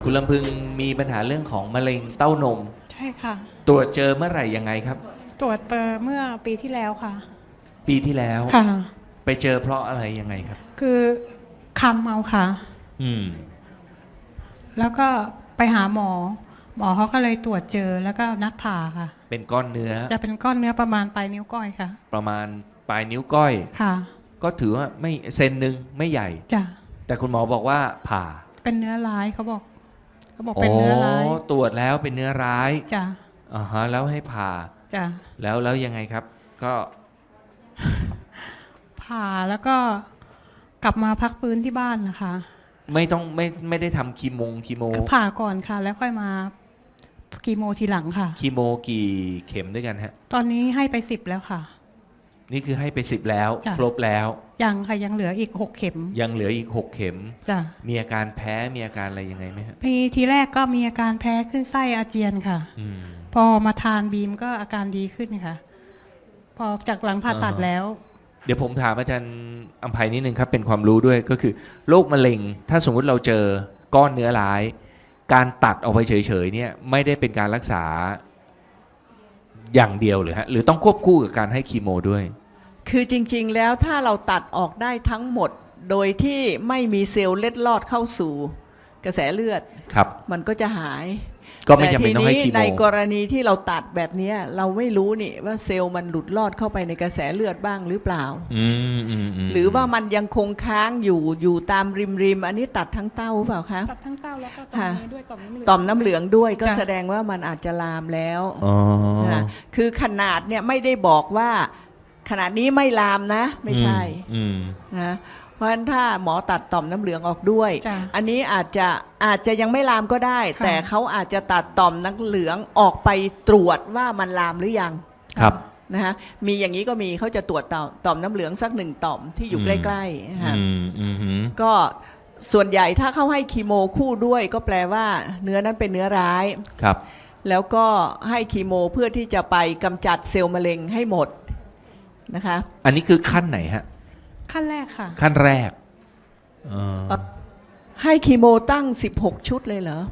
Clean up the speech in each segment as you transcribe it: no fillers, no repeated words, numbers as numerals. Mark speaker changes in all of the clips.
Speaker 1: คุณลำพึงมีปัญหาเรื่องของมะเร็งเต้านม
Speaker 2: ใช่ค่ะ
Speaker 1: ตรวจเจอเมื่อไหร่ยังไงครับ
Speaker 2: ตรวจเมื่อปีที่แล้วค่ะ
Speaker 1: ปีที่แล้ว
Speaker 2: ค่ะ
Speaker 1: ไปเจอเพราะอะไรยังไงครับ
Speaker 2: คือคำเอาค่ะแล้วก็ไปหาหมอเขาก็เลยตรวจเจอแล้วก็นัดผ่าค่ะ
Speaker 1: เป็นก้อนเนื้อ
Speaker 2: จะเป็นก้อนเนื้อประมาณปลายนิ้วก้อยค่ะ
Speaker 1: ประมาณปลายนิ้วก้อย
Speaker 2: ค่ะ
Speaker 1: ก็ถือว่าไม่เซนหนึ่งไม่ใหญ่
Speaker 2: จ้ะ
Speaker 1: แต่คุณหมอบอกว่าผ่า
Speaker 2: เป็นเนื้อร้ายเขาบอกเป็นเนื้อร้าย
Speaker 1: ตรวจแล้วเป็นเนื้อร้าย
Speaker 2: จ้ะ
Speaker 1: แล้วให้ผ่า
Speaker 2: จ้ะ
Speaker 1: แล้วยังไงครับก็
Speaker 2: ผ่าแล้วก็กลับมาพักฟื้นที่บ้านนะคะ
Speaker 1: ไม่ได้ทำคีโม
Speaker 2: ผ่าก่อนค่ะแล้วค่อยมาคีโมทีหลังค่ะ
Speaker 1: คีโมกี่เข็มด้วยกันฮะ
Speaker 2: ตอนนี้ให้ไป10แล้วค่ะ
Speaker 1: นี่คือให้ไป10แล้วครบแล้ว
Speaker 2: ยังค่ะยังเหลืออีก6เข็ม
Speaker 1: ยังเหลืออีก6เข็ม
Speaker 2: จ้ะ
Speaker 1: มีอาการแพ้มีอาการอะไรยังไงไหมครับ
Speaker 2: ทีแรกก็มีอาการแพ้ขึ้นไส้อาเจียนค่ะพอมาทานบีมก็อาการดีขึ้นค่ะพอจากหลังผ่าตัดแล้ว
Speaker 1: เดี๋ยวผมถามอาจารย์อำไพนิดนึงครับเป็นความรู้ด้วยก็คือโรคมะเร็งถ้าสมมุติเราเจอก้อนเนื้อร้ายการตัดออกไปเฉยๆเนี่ยไม่ได้เป็นการรักษาอย่างเดียวหรือฮะหรือต้องควบคู่กับการให้คีโมด้วย
Speaker 3: คือจริงๆแล้วถ้าเราตัดออกได้ทั้งหมดโดยที่ไม่มีเซลล์เล็ดลอดเข้าสู่กระแสเลือด
Speaker 1: ครับ
Speaker 3: มันก็จะหาย
Speaker 1: ก็ไม่จำเป็นต้องให้คีโม
Speaker 3: ในกรณีที่เราตัดแบบนี้เราไม่รู้นี่ว่าเซลล์มันหลุดลอดเข้าไปในกระแสเลือดบ้างหรือเปล่าหรือว่ามันยังคงค้างอยู่ตามริมอันนี้ตัดทั้งเต้าหรือเปล่าคะ
Speaker 2: ตัดทั้งเต้าแล้วก็ต่อมนี้ด้วย
Speaker 3: ต่อมน้ำเหลืองด้วยก็แสดงว่ามันอาจจะลามแล้วคือขนาดเนี่ยไม่ได้บอกว่าขนาดนี้ไม่ลามนะไม่ใช่นะเพราะฉะนั้นถ้าหมอตัดต่อมน้ำเหลืองออกด้วยอันนี้อาจจะยังไม่ลามก็ได้แต่เขาอาจจะตัดต่อมน้ำเหลืองออกไปตรวจว่ามันลามหรือยัง
Speaker 1: ครับ
Speaker 3: นะฮะมีอย่างนี้ก็มีเขาจะตรวจต่อมน้ำเหลืองสัก1ต่อมที่อยู่ใกล้ๆก็ส่วนใหญ่ถ้าเขาให้คีโมคู่ด้วยก็แปลว่าเนื้อนั้นเป็นเนื้อร้าย
Speaker 1: ครับ
Speaker 3: แล้วก็ให้คีโมเพื่อที่จะไปกำจัดเซลล์มะเร็งให้หมดนะคะ
Speaker 1: อันนี้คือขั้นไหนฮะ
Speaker 2: ขั้นแรกค่ะ
Speaker 1: ขั้นแรก
Speaker 3: ให้คีโมตั้ง16ชุดเลยเหรอ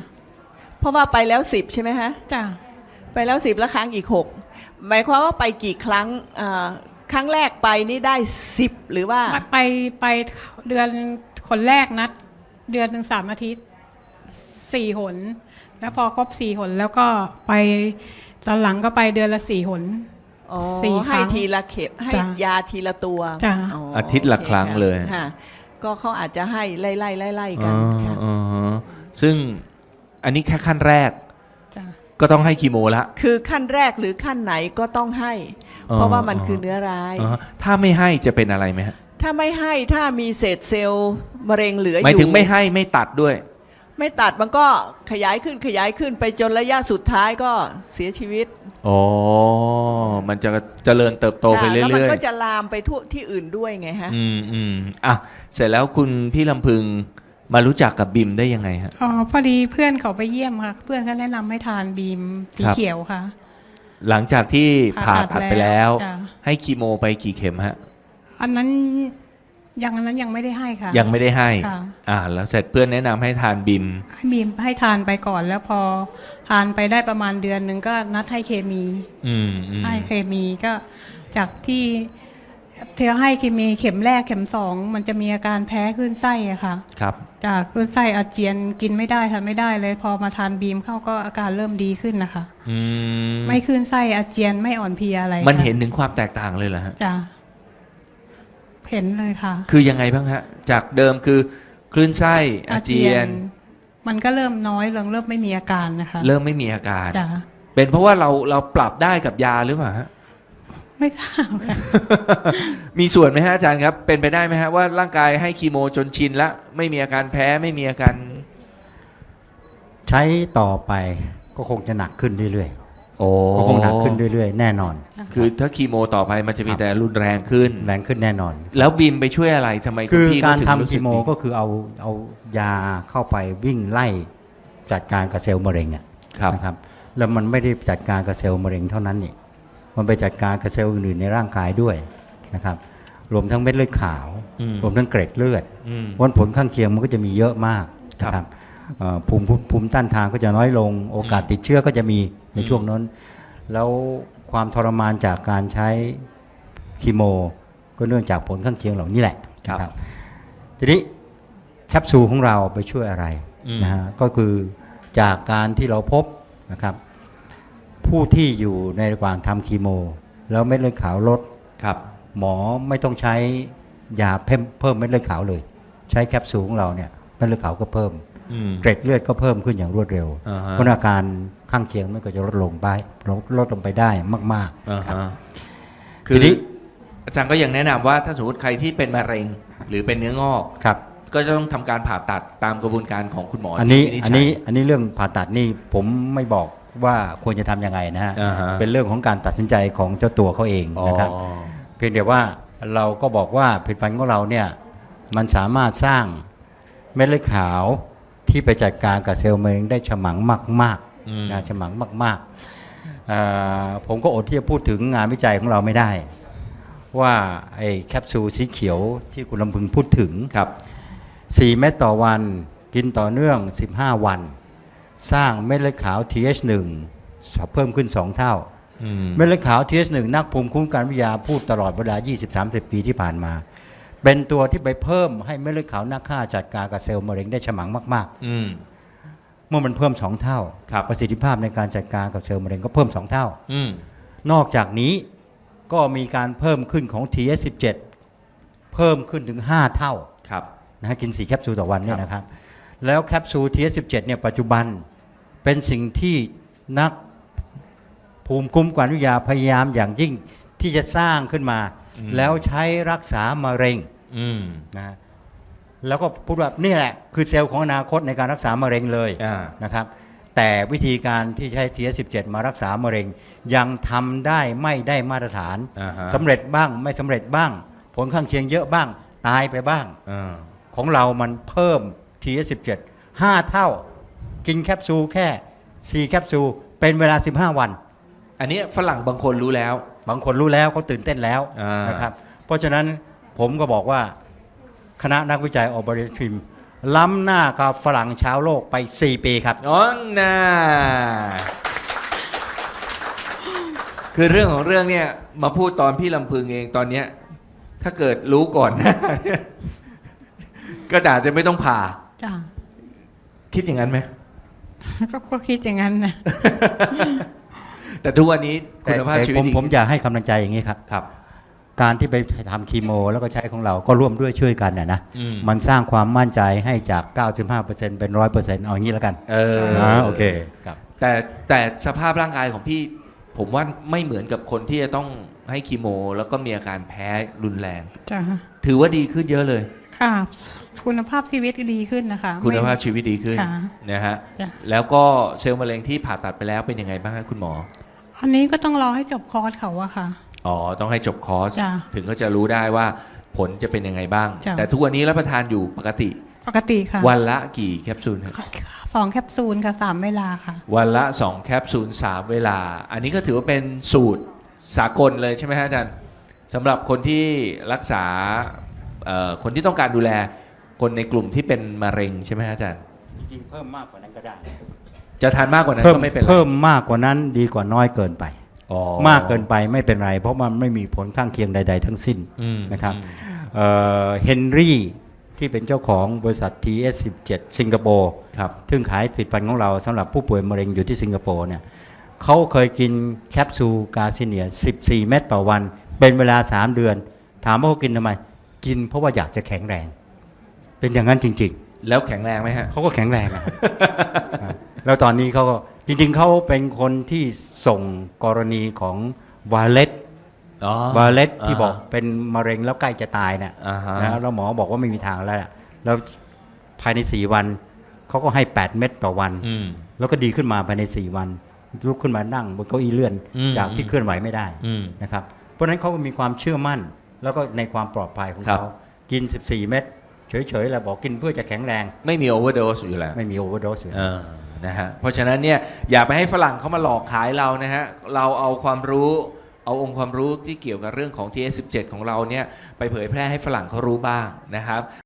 Speaker 3: 10เพราะว่าไปแล้ว10ใช่ไหมฮะ
Speaker 2: จ้ะ
Speaker 3: ไปแล้ว10แล้วครั้งอีก6หมายความว่าไปกี่ครั้งครั้งแรกไปนี่ได้10หรือว่า
Speaker 2: ไปเดือนคนแรกนัดเดือนหนึ่ง3 อาทิตย์4 หนแล้วพอครบ4 หนแล้วก็ไปตอนหลังก็ไปเดือนละ4 หน
Speaker 3: ให้ทีละเข็มให้ยาทีละตัว
Speaker 1: อาทิตย์ละครั้งเลย
Speaker 3: ก็เขาอาจจะให้ไล่กัน
Speaker 1: ซึ่งอันนี้แค่ขั้นแรกก็ต้องให้คีโมละ
Speaker 3: คือขั้นแรกหรือขั้นไหนก็ต้องให้เพราะว่ามันคือเนื้อร้าย
Speaker 1: ถ้าไม่ให้จะเป็นอะไรไหมฮะ
Speaker 3: ถ้าไม่ให้ถ้ามีเศษเซลล์มะเร็งเหลืออยู่
Speaker 1: หมายถึงไม่ให้ไม่ตัดด้วย
Speaker 3: ไม่ตัดมันก็ขยายขึ้นไปจนระยะสุดท้ายก็เสียชีวิต
Speaker 1: มันจะเจริญเติบโตไปเรื่อยๆแล้วมัน
Speaker 3: ก็จะลามไปทั่วที่อื่นด้วยไงฮะ
Speaker 1: เสร็จแล้วคุณพี่ลำพึงมารู้จักกับบิมได้ยังไงฮะ
Speaker 2: พอดีเพื่อนเขาไปเยี่ยมค่ะเพื่อนเขาแนะนำให้ทานบีมสีเขียวค่ะ
Speaker 1: หลังจากที่ผ่าตัดไปแล้วให้คีโมไปกี่เข็มฮะ
Speaker 2: อันนั้นยังไม่ได้ให้ค่ะ
Speaker 1: ยังไม่ได้ให้แล้วเสร็จเพื่อนแนะนำให้ทานบีม
Speaker 2: ให้ทานไปก่อนแล้วพอทานไปได้ประมาณเดือนหนึ่งก็นัดให้เคมีให้เคมีก็จากที่เธอให้เคมีเข็มแรกเข็ม2มันจะมีอาการแพ้ขึ้นไส้อะค่ะ
Speaker 1: ครับ
Speaker 2: จากขึ้นไส้อาเจียนกินไม่ได้ทานไม่ได้เลยพอมาทานบีมเข้าก็อาการเริ่มดีขึ้นนะคะไม่ขึ้นไส้อาเจียนไม่อ่อนเพลียอะไร
Speaker 1: มันเห็นถึงความแตกต่างเลยเหรอฮะ
Speaker 2: จ้ะเห็นเลยค่ะ
Speaker 1: คือยังไงบ้างฮะจากเดิมคือคลื่นไส้อาเจียน
Speaker 2: มันก็เริ่มน้อยลงเริ่มไม่มีอาการนะคะ
Speaker 1: เริ่มไม่มีอาการเป็นเพราะว่าเราปรับได้กับยาหรือเปล่าฮะ
Speaker 2: ไม่ทราบค่ะ
Speaker 1: มีส่วนไหมฮะอาจารย์ครับเป็นไปได้ไหมฮะว่าร่างกายให้คีโมจนชินแล้วไม่มีอาการแพ้ไม่มีอาการ
Speaker 4: ใช้ต่อไปก็คงจะหนักขึ้นเรื่อยๆก็คงหนักขึ้นเรื่อยๆแน่นอน
Speaker 1: คือถ้าคีโมต่อไปมันจะมีแต่รุนแรงขึ้น
Speaker 4: แน่นอน
Speaker 1: แล้วบีมไปช่วยอะไรทำไม
Speaker 4: คือการทำคีโมก็คือเอายาเข้าไปวิ่งไล่จัดการกับเซลล์มะเร็งนะครับแล้วมันไม่ได้จัดการกับเซลล์มะเร็งเท่านั้นนี่มันไปจัดการกับเซลล์อื่นๆในร่างกายด้วยนะครับรวมทั้งเม็ดเลือดขาวรวมทั้งเกล็ดเลือดวันผลข้างเคียงมันก็จะมีเยอะมากนะครับภูมิต้านทานก็จะน้อยลง โอกาสติดเชื้อก็จะมีในช่วงนั้น แล้วความทรมานจากการใช้คีโม ก็เนื่องจากผลข้างเคียงเหล่านี้แหละ
Speaker 1: ครับ
Speaker 4: นะครับทีนี้แคปซูลของเราไปช่วยอะไรนะฮะก็คือจากการที่เราพบนะครับผู้ที่อยู่ในระหว่างทำคีโม แล้วเม็ดเลือดขาวลด
Speaker 1: ครับ
Speaker 4: หมอไม่ต้องใช้ยาเพิ่มเม็ดเลือดขาวเลย ใช้แคปซูลของเราเนี่ยเม็ดเลือดขาวก็เพิ่ม เกร็ดเลือดก็เพิ่มขึ้นอย่างรวดเร็ว
Speaker 1: อ่าฮะ
Speaker 4: เพราะอาการข้างเคียงมันก็จะลดลงไปได้มาก
Speaker 1: อ่า
Speaker 4: ๆครับ
Speaker 1: ฮะ
Speaker 4: ที
Speaker 1: คือ
Speaker 4: นี้
Speaker 1: อาจารย์ก็ยังแนะนำว่าถ้าสมมติใครที่เป็นมะเร็งหรือเป็นเนื้องอก
Speaker 4: ครับ
Speaker 1: ก็จะต้องทำการผ่าตัดตามกระบวนการของคุณหมอ
Speaker 4: อันนี้
Speaker 1: ที่วิจฉัย
Speaker 4: อันนี้เรื่องผ่าตัดนี่ผมไม่บอกว่าควรจะทำยังไงนะฮะ
Speaker 1: อ่าฮะ
Speaker 4: เป็นเรื่องของการตัดสินใจของเจ้าตัวเขาเองนะครับ
Speaker 1: อ๋อ
Speaker 4: เพียงแต่ว่าเราก็บอกว่าผลิตภัณฑ์ของเราเนี่ยมันสามารถสร้างเม็ดเลือดขาวที่ไปจัดการกับเซลล์มะเร็งได้ฉมังมากๆนะฉมังมากๆผมก็อดที่จะพูดถึงงานวิจัยของเราไม่ได้ ว่าไอ้แคปซูลสีเขียวที่คุณลำพึงพูดถึง
Speaker 1: ครับ
Speaker 4: 4 เม็ดต่อวันกินต่อเนื่อง 15 วัน สร้างเม็ดเลือดขาว TH1 เพิ่มขึ้น 2 เท่า เม็ดเลือดขาว TH1 นักภูมิคุ้มกันวิทยาพูดตลอดเวลา 20-30 ปีที่ผ่านมา เป็นตัวที่ไปเพิ่มให้เม็ดเลือดขาวนักฆ่าจัดการกับเซลล์มะเร็งได้ฉมังมากๆ เมื่อมันเพิ่ม 2 เท่า
Speaker 1: ครับ
Speaker 4: ประสิทธิภาพในการจัดการกับเซลล์มะเร็งก็เพิ่ม 2 เท่า
Speaker 1: อืม
Speaker 4: นอกจากนี้ก็มีการเพิ่มขึ้นของ TH17 เพิ่มขึ้นถึง 5 เท่า
Speaker 1: ครับ
Speaker 4: นะฮะกิน4แคปซูลต่อวันเนี่ยนะครับแล้วแคปซูล TH17 เนี่ยปัจจุบันเป็นสิ่งที่นักภูมิคุ้มกันวิทยาพยายามอย่างยิ่งที่จะสร้างขึ้นมา แล้วใช้รักษามะเร็งนะฮะแล้วก็พูดว่านี่แหละคือเซลล์ของอนาคตในการรักษามะเร็งเลย
Speaker 1: อ่า
Speaker 4: นะครับแต่วิธีการที่ใช้ TH17 มารักษามะเร็งยังทำได้ไม่ได้มาตรฐาน
Speaker 1: อ่าฮะ
Speaker 4: สำเร็จบ้างไม่สำเร็จบ้าง ผลข้างเคียงเยอะบ้างตายไปบ้าง ของเรามันเพิ่ม TH17 5 เท่า กินแคปซูลแค่ 4 แคปซูลเป็นเวลา 15 วัน
Speaker 1: อันนี้ฝรั่งบางคนรู้แล้ว
Speaker 4: บางคนรู้แล้วเขาตื่นเต้นแล้ว
Speaker 1: อ่าน
Speaker 4: นะครับ เพราะฉะนั้นผมก็บอกว่าคณะนักวิจัยออบริทิมล้ำหน้ากับฝรั่งชาวโลกไป 4 ปีครับ
Speaker 1: อ๋อน่าคือเรื่องของเรื่องเนี่ยมาพูดตอนพี่ลำพึงเองตอนเนี้ยถ้าเกิดรู้ก่อนหน้าเนี่ยก็อาจจะไม่ต้องผ่า
Speaker 2: จ้ะ
Speaker 1: คิดอย่างนั้นไหม
Speaker 2: ก็คิดอย่างนั้นนะ
Speaker 1: แต่ทุกวันนี้คุณภาพ
Speaker 4: แต่
Speaker 1: ชีวิตดี
Speaker 4: ผมอยากให้กำลังใจอย่างนี้ครับ
Speaker 1: ครับ
Speaker 4: การที่ไปทำคีโม แล้วก็ใช้ของเราก็ร่วมด้วยช่วยกันนะ
Speaker 1: อืม
Speaker 4: มันสร้างความมั่นใจให้จาก 95% เป็น 100% เอาอย่างนี้แล้วกัน โอเคครับ
Speaker 1: แต่สภาพร่างกายของพี่ ผมว่าไม่เหมือนกับคนที่จะต้องให้คีโม แล้วก็มีอาการแพ้รุนแรง
Speaker 2: จ้ะ
Speaker 1: ถือว่าดีขึ้นเยอะเลย
Speaker 2: ค่ะคุณภาพชีวิตดีขึ้นนะคะ
Speaker 1: คุณภาพ
Speaker 2: ไม่
Speaker 1: ชีวิตดีขึ้น
Speaker 2: ค่ะ
Speaker 1: นะฮะ
Speaker 2: จ้ะ
Speaker 1: แล้วก็เซลล์มะเร็งที่ผ่าตัดไปแล้วเป็นยังไงบ้างครับคุณหมอ
Speaker 2: อันนี้ก็ต้องรอให้จบคอร์สเขาอะค่ะ
Speaker 1: อ๋อ ต้องให้จบคอร์ส
Speaker 2: จ้ะ
Speaker 1: ถึงก็จะรู้ได้ว่าผลจะเป็นยังไงบ้าง
Speaker 2: จ้ะ
Speaker 1: แต่ทุกวันนี้รับประทานอยู่ปกติ
Speaker 2: ปกติค่ะ
Speaker 1: วันละกี่แคปซูลครับ
Speaker 2: 2 แคปซูลค่ะ3 เวลาค่ะ
Speaker 1: วันละ 2 แคปซูล 3 เวลา อันนี้ก็ถือว่าเป็นสูตรสากลเลยใช่ไหมฮะอาจารย์สำหรับคนที่รักษาคนที่ต้องการดูแลคนในกลุ่มที่เป็นมะเร็งใช่ไหมฮะอาจารย์
Speaker 4: จริงๆเพิ่มมากกว่านั้นก็ได้
Speaker 1: จะทานมากกว่านั้นก็ไม่เป็นไร
Speaker 4: เพิ่มมากกว่านั้นดีกว่าน้อยเกินไป
Speaker 1: อ๋อ
Speaker 4: มากเกินไปไม่เป็นไร เพราะมันไม่มีผลข้างเคียงใด ๆ ทั้งสิ้น
Speaker 1: อืม
Speaker 4: นะครับเฮนรี่ที่เป็นเจ้าของบริษัท TS17 สิงคโปร์
Speaker 1: ครับ
Speaker 4: ซึ่งขายผลิตภัณฑ์ของเราสำหรับผู้ป่วยมะเร็งอยู่ที่สิงคโปร์เนี่ยเขาเคยกินแคปซูลกาซิเนีย 14 เม็ดต่อวัน เป็นเวลา 3 เดือน ถามว่าเขากินทำไม กินเพราะว่าอยากจะแข็งแรง เป็นอย่างนั้นจริง
Speaker 1: แล้วแข็งแรงไหมฮะ
Speaker 4: ๆ เขาก็แข็งแรงนะครับ แล้วตอนนี้เขาก็จริงๆเขาเป็นคนที่ส่งกรณีของวาเลต
Speaker 1: อ๋อ
Speaker 4: วาเลตที่บอกเป็นมะเร็งแล้วใกล้จะตายเนี่ย
Speaker 1: อ่าฮะ
Speaker 4: นะแล้วหมอบอกว่าไม่มีทางแล้วน่ะแล้วภายใน 4 วันเขาก็ให้ 8 เม็ดต่อวัน
Speaker 1: อืม
Speaker 4: แล้วก็ดีขึ้นมาภายใน 4 วัน ลุกขึ้นมานั่งบนเก้าอี้เลื่อน
Speaker 1: อืม
Speaker 4: จากที่เคลื่อนไหวไม่ได้
Speaker 1: อืม
Speaker 4: นะครับเพราะฉะนั้นเขาก็มีความเชื่อมั่น แล้วก็ในความปลอดภัยของ
Speaker 1: ครับ
Speaker 4: เขากิน 14 เม็ดเฉยๆแล้วบอกกินเพื่อจะแข็งแรง
Speaker 1: ไม่มีโอเวอร์โดสอยู่แล้ว
Speaker 4: ไม่มีโอเวอร์โดสอยู่
Speaker 1: นะฮะ เพราะฉะนั้นเนี่ยอย่าไปให้ฝรั่งเขามาหลอกขายเรานะฮะ เราเอาความรู้เอาองค์ความรู้ที่เกี่ยวกับเรื่องของ TS17 ของเราเนี่ยไปเผยแพร่ให้ฝรั่งเขารู้บ้างนะครับ